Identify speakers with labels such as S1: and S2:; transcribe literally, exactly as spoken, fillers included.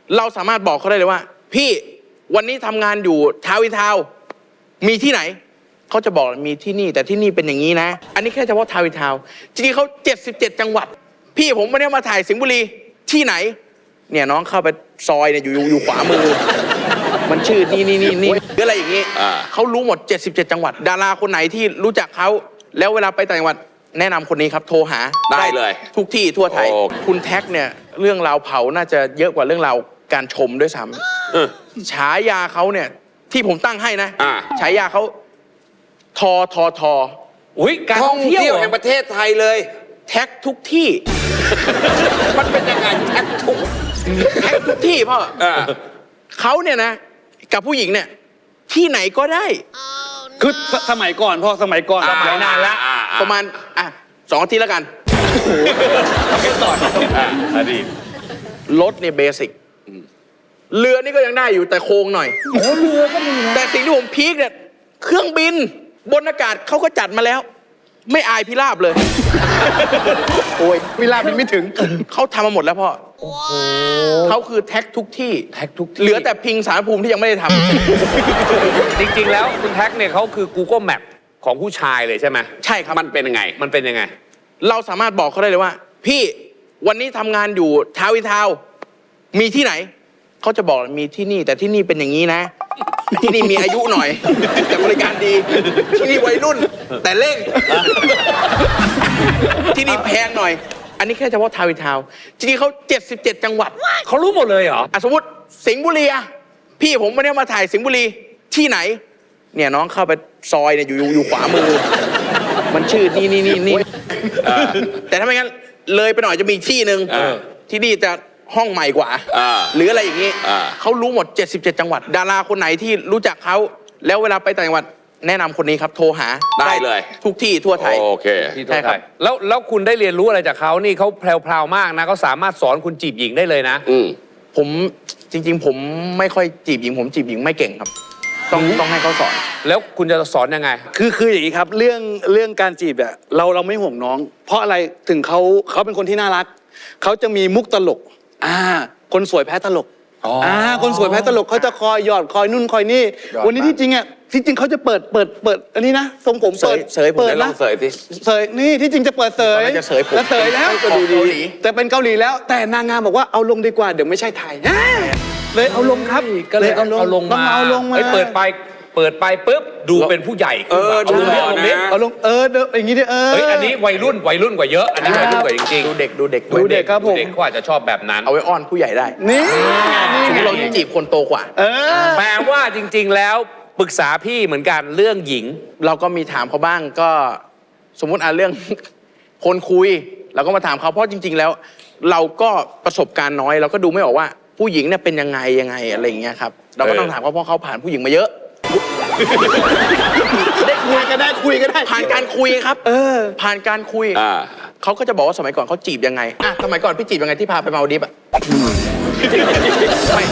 S1: เราสามารถบอกเขาได้เลยว่าพี่วันนี้ทำงานอยู่ทาวน์อินทาวน์มีที่ไหนเขาจะบอกมีที่นี่แต่ที่นี่เป็นอย่างนี้นะอันนี้แค่เฉพาะทาวน์อินทาวน์จริงๆเขาเจ็ดสิบเจ็ดจังหวัดพี่ผมวันนี้มาถ่ายสิงห์บุรีที่ไหนเนี่ยน้องเข้าไปซอยเนี่ยอยู่อยู่ขวามือมันชื่อนี่นี่นี่นี่หรืออะไรอย่างนี้เขารู้หมดเจ็ดสิบเจ็ดจังหวัดดาราคนไหนที่รู้จักเขาแล้วเวลาไปต่างจังหวัดแนะนำคนนี้ครับโทรหา
S2: ได้เลย
S1: ทุกที่ทั่วไทยคุณแท็กเนี่ยเรื่องราวเผาน่าจะเยอะกว่าเรื่องราวการชมด้วยซ้ำฉายาเขาเนี่ยที่ผมตั้งให้นะฉายาเขาทอทอทอ
S2: อุ้ยการท่องเที่ยวแห่งประเทศไทยเลย
S1: แท็กทุกที่
S2: มันเป็นยังไงแท็กทุก
S1: แท็กทุกที่พ่อเขาเนี่ยนะกับผู้หญิงเนี่ยที่ไหนก็ได้
S3: คือสมัยก่อนพ่อสมัยก่อน
S1: สมัยนานละประมาณอ่ะสองอาทิตย์แล้วกัน
S2: ไม่ต่ออดีต
S1: รถเนี่ยเบสิกเรือนี่ก็ยังได้อยู่แต่โค้งหน่อย
S3: โอ้เรือก็มีนะ
S1: แต่สิ่งที่ผมพีคเนี่ยเครื่องบินบนอากาศเขาก็จัดมาแล้วไม่อายพิราบเลย
S3: โอ้ยพิราบมันไม่ถึง
S1: เขาทำมาหมดแล้วพ่อเขาคือแท็กทุกที่
S2: แท็กทุกที่
S1: เหลือแต่พิงสารภูมิที่ยังไม่ได้ท
S2: ำ จริงๆแล้วคุณแท็กเนี่ยเขาคือ Google Map ของผู้ชายเลยใช่ไหม
S1: ใช่ครับ
S2: มันเป็นยังไงมันเป็นยังไง
S1: เราสามารถบอกเขาได้เลยว่าพี่วันนี้ทำงานอยู่ทาวน์อินทาวน์มีที่ไหนเขาจะบอกมีที่นี่แต่ที่นี่เป็นอย่างนี้นะที่นี่มีอายุหน่อยแต่บริการดีที่นี่วัยรุ่นแต่เร่งที่นี่แพงหน่อยอันนี้แค่เฉพาะทาวน์อินทาวน์จริงๆเขาเจ็ดสิบเจ็ดจังหวัด
S2: เขารู้หมดเลยเหรอ
S1: อ่ะสมมติสิงห์บุรีอะพี่ผมวันนี้มาถ่ายสิงห์บุรีที่ไหนเนี่ยน้องเข้าไปซอยเนี่ยอยู่อยู่ขวามือมันชื่อนี่นี่นี่นี่แต่ถ้าไม่งั้นเลยไปหน่อยจะมีที่หนึ่งที่นี่จะห้องใหม่กว่าหรืออะไรอย่างนี้เขารู้หมดเจ็ดสิบเจ็ดจังหวัดดาราคนไหนที่รู้จักเขาแล้วเวลาไปต่างจังหวัดแนะนำคนนี้ครับโทรหา
S2: ได้เลย
S1: ทุกที่ทั่วไทย
S2: โอเคใช่ครับแล้วแล้วคุณได้เรียนรู้อะไรจากเขานี่เขาแพรวๆมากนะเขาสามารถสอนคุณจีบหญิงได้เลยนะ
S1: ผมจริงๆผมไม่ค่อยจีบหญิงผมจีบหญิงไม่เก่งครับต้องต้องให้เขาสอน
S2: แล้วคุณจะสอนยังไง
S3: คือคืออย่างนี้ครับเรื่องเรื่องการจีบอะเราเราไม่ห่วงน้องเพราะอะไรถึงเขาเขาเป็นคนที่น่ารักเขาจะมีมุกตลกอ่าคนสวยแพ้ตลกอ่าคนสวยแพ้ตลกเขาจะคอยหยอดคอยนุ่นคอยนี่วันนี้ที่จริงอ่ะที่จริงเขาจะเปิดเปิดเปิดอันนี้นะทรงผมเปิด
S1: เสยเปิดนะ
S2: เสยสิ
S3: เสยนี่ที่จริงจะเปิดเสย
S1: จะเสยผม
S3: แล้วเสยแล้ว
S1: ก็ดูดี
S3: แต่เป็นเกาหลีแล้วแต่นางงามบอกว่าเอาลงดีกว่าเดี๋ยวไม่ใช่ไทยเลยเอาลงครับ
S2: ก็เลยเอาลงมา
S3: เอาลงมา
S2: เปิดไปเปิดไปปุ๊บดูเป็นผู้ใหญ่
S3: เออดูเรื่องนี้เอาลงเอออย่างนี้ดิเออ
S2: เฮ้ยอันนี้วัยรุ่นวัยรุ่นกว่าเยอะอันนี้วัยรุ่นกว่าจริงๆ
S1: ดูเด็กดูเด็ก
S3: ดูเด็กครับผม
S2: เด็กเขาอาจจะชอบแบบนั้น
S1: เอาไว้อ้อนผู้ใหญ่ได้
S3: นี่
S1: นี่เราจีบคนโตกว่า
S2: แปลว่าจริงๆแล้วปรึกษาพี่เหมือนกันเรื่องหญิง
S1: เราก็มีถามเขาบ้างก็สมมุติอ่ะเรื่องคนคุยเราก็มาถามเขาเพราะจริงๆแล้วเราก็ประสบการณ์น้อยเราก็ดูไม่ออกว่าผู้หญิงเนี่ยเป็นยังไงยังไงอะไรอย่างเงี้ยครับเราก็ต้องถามเขาเพราะเขาผ่านผู้หญิงมาเยอะ
S3: ได้คุยก็ได้คุยก็ได้
S1: ผ่านการคุยครับเออผ่านการคุยเขาก็จะบอกว่าสมัยก่อนเขาจีบยังไงอ่ะสมัยก่อนพี่จีบยังไงที่พาไปมาลดีฟอ่ะ